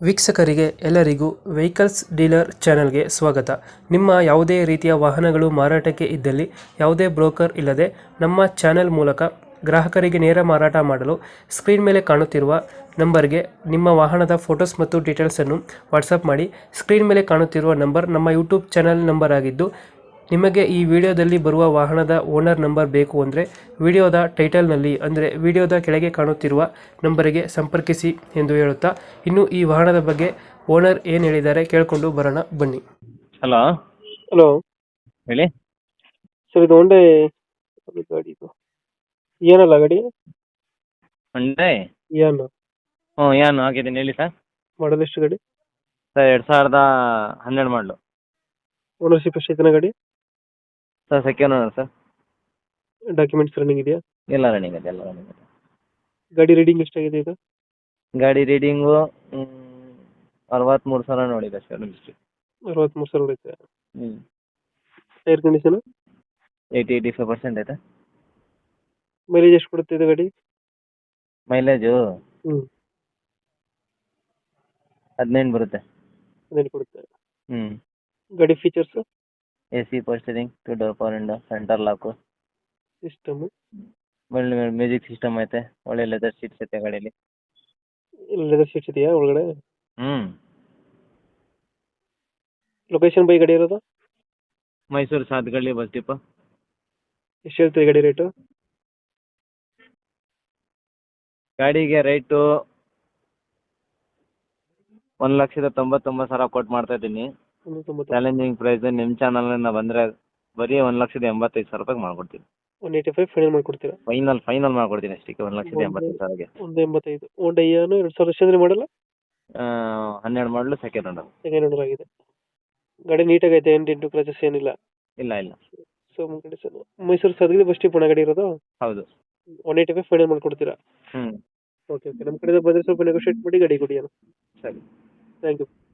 ವೀಕ್ಷಕರಿಗೆ ಎಲ್ಲರಿಗೂ vehicles dealer ಚಾನೆಲ್ಗೆ ಸ್ವಾಗತ. ನಿಮ್ಮ ಯಾವುದೇ ರೀತಿಯ ವಾಹನಗಳು ಮಾರಾಟಕ್ಕೆ ಇದ್ದಲ್ಲಿ ಯಾವುದೇ ಬ್ರೋಕರ್ ಇಲ್ಲದೆ ನಮ್ಮ ಚಾನೆಲ್ ಮೂಲಕ ಗ್ರಾಹಕರಿಗೆ ನೇರ ಮಾರಾಟ ಮಾಡಲು ಸ್ಕ್ರೀನ್ ಮೇಲೆ ಕಾಣುತ್ತಿರುವ ನಂಬರ್ಗೆ ನಿಮ್ಮ ವಾಹನದ ಫೋಟೋಸ್ ಮತ್ತು ಡೀಟೇಲ್ಸನ್ನು ವಾಟ್ಸಪ್ ಮಾಡಿ. ಸ್ಕ್ರೀನ್ ಮೇಲೆ ಕಾಣುತ್ತಿರುವ ನಂಬರ್ ನಮ್ಮ ಯೂಟ್ಯೂಬ್ ಚಾನೆಲ್ ನಂಬರ್ ಆಗಿದ್ದು, ನಿಮಗೆ ಈ ವಿಡಿಯೋದಲ್ಲಿ ಬರುವ ವಾಹನದ ಓನರ್ ನಂಬರ್ ಬೇಕು ಅಂದರೆ ವಿಡಿಯೋದ ಟೈಟಲ್ನಲ್ಲಿ ಅಂದರೆ ವಿಡಿಯೋದ ಕೆಳಗೆ ಕಾಣುತ್ತಿರುವ ನಂಬರಿಗೆ ಸಂಪರ್ಕಿಸಿ ಎಂದು ಹೇಳುತ್ತಾ, ಇನ್ನು ಈ ವಾಹನದ ಬಗ್ಗೆ ಓನರ್ ಏನು ಹೇಳಿದ್ದಾರೆ ಕೇಳಿಕೊಂಡು ಬರೋಣ ಬನ್ನಿ. ಹಲೋ ಹಲೋ ಹೇಳಿ. ಸರ್, ಇದು ಹೊಂಡೆ ಗಾಡಿ, ಇದು ಏನಲ್ಲ ಗಾಡಿ ಹೊಂಡೆ ಏನು ಏನು ಆಗಿದ್ದೀನಿ ಹೇಳಿ ಸರ್. ಮಾಡಲ್ ಎಷ್ಟು ಗಾಡಿ? ಸರ್ 2012 ಮಾಡಲು. ಓನರ್ಶಿಪ್ ಎಷ್ಟೈತನ ಗಾಡಿ? Sir second owner sir. Documents running ಇದೆಯಾ? ಎಲ್ಲ ರನ್ನಿಂಗ್ ಇದೆ, ಎಲ್ಲ ರನ್ನಿಂಗ್ ಇದೆ. ಗಾಡಿ ರೀಡಿಂಗ್ ಎಷ್ಟಾಗಿದೆ ಇದು? ಗಾಡಿ ರೀಡಿಂಗು 63,000 ನೋಡಿದೆ ಸರ್. 63,000 ಹೊಡೆಯುತ್ತೆ. ಟೈರ್ ಕಂಡೀಷನ್ 85% ಐತೆ. ಮೈಲೇಜ್ ಎಷ್ಟು ಕೊಡುತ್ತೆ ಇದು ಗಾಡಿ? ಮೈಲೇಜು 15 ಬರುತ್ತೆ. ಕೊಡುತ್ತೆ. ಹ್ಞೂ. ಗಾಡಿ features? AC power steering, 2 door power window, center lock, system, music system ಐತೆ, ಒಳ್ಳೆ ಲೆದರ್ ಸೀಟ್ಸ್ ಐತೆ ಗಾಡೀಲಿ. ಲೆದರ್ ಸೀಟ್ಸ್ ಇದೆಯಾ ಒಳಗಡೆ? ಹ್ಞೂ. ಲೊಕೇಶನ್ ಬೈ ಗಾಡಿ ಇರೋದು? Mysuru Sathagalli bus depot. ಎಷ್ಟು ಹೇಳ್ತೀರಿ ಗಾಡಿ ರೇಟು? ಗಾಡಿಗೆ ರೇಟು 1,99,000 ಕೊಟ್ಟು ಮಾಡ್ತಾ ಇದ್ದೀನಿ. 190. Challenging price. ನಿಮ್ಮ ಚಾನಲ್ನ ಬಂದರೆ ಬರೀ 1,85,000 ಮಾಡ್ಕೊಡ್ತೀನಿ. 185 ಫೈನಲ್ ಮಾಡ್ಕೊಡ್ತೀರಾ? ಫೈನಲ್ ಮಾಡ್ಕೊಡ್ತೀನಿ ಅಷ್ಟಕ್ಕೆ. 1,85,000ಗೆ. 185. ಹೋಂಡಾ ಇಯಾನು 2000 ಮಾಡಲ್ಲ? 12 ಮಾಡಲು, ಸೆಕೆಂಡ್ ಓನರ್. ಸೆಕೆಂಡ್ ಓನರ್ ಆಗಿದೆ. ಗಾಡಿ ನೀಟಾಗಿ ಐತೆ, ಏನು ಡೆಂಟು ಕ್ರಾಚಸ್ ಏನಿಲ್ಲ? ಇಲ್ಲ. So Mysuru Sadgalli bus stop ಗಾಡಿ ಇರೋದು? ಹೌದು. 185 ಫೈನಲ್ ಮಾಡ್ಕೊಡ್ತೀರಾ? ಹ್ಞೂ. ಓಕೆ. ನಮ್ಮ ಕಡೆಯಿಂದ ಬಂದರೆ ಸ್ವಲ್ಪ ನೆಗೋಷಿಯೇಟ್ ಮಾಡಿ ಗಾಡಿ ಕೊಡಿ. ಸರಿ. Thank you.